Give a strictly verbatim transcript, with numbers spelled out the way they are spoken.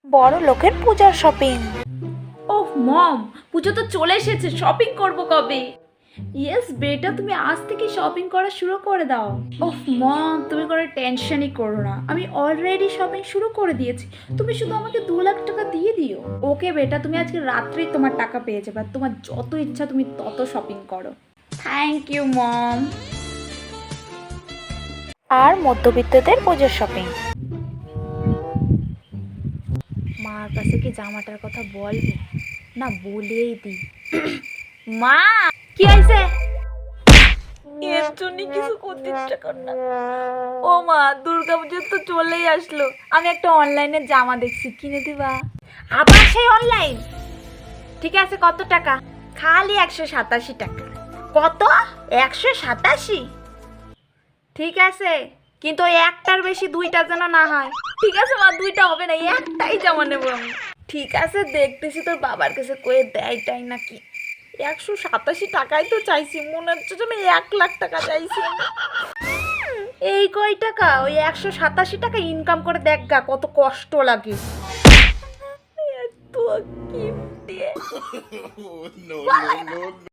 বড় লোকের পূজার শপিং। ওহ মম, পুজো তো চলে এসেছে, শপিং করব কবে? ইয়েস বেটা, তুমি আজ থেকে শপিং করা শুরু করে দাও। ওহ মম, তুমি কোনো টেনশনই করো না, আমি অলরেডি শপিং শুরু করে দিয়েছি। তুমি শুধু আমাকে দু লাখ টাকা দিয়ে দিও। ওকে বেটা, তুমি আজকে রাত্রেই তোমার টাকা পেয়ে যাবে। তোমার যত ইচ্ছা তুমি তত শপিং করো। Thank you mom. আর মধ্যবিত্তদের পুজোর শপিং। মার কাছে কি জামাটার কথা বলবি? না বলেই দি। মা, কি হয়েছে? এর জন্য কিছু করতে ইচ্ছা কর না। ও মা, দুর্গা পুজো তো চলেই আসলো, আমি একটা অনলাইনে জামা দেখছি, কিনে দিবা? আবার সেই অনলাইন? ঠিক আছে, কত টাকা? খালি একশো সাতাশি টাকা। কত? একশো সাতাশি? ঠিক আছে, কিন্তু ওই একটার বেশি দুইটা যেন না হয়। ঠিক আছে মা, দুইটা হবে না, একটাই জামা নেবো আমি। ঠিক আছে, দেখতেছি তোর বাবার কাছে কয়ে দেয়টাই নাকি। একশো সাতাশি টাকাই তো চাইছি, মনে হচ্ছে যেন এক লাখ টাকা চাইছি। এই কয় টাকা? ওই একশো সাতাশি টাকা ইনকাম করে দেখ গা, কত কষ্ট লাগে। এত কিপটে।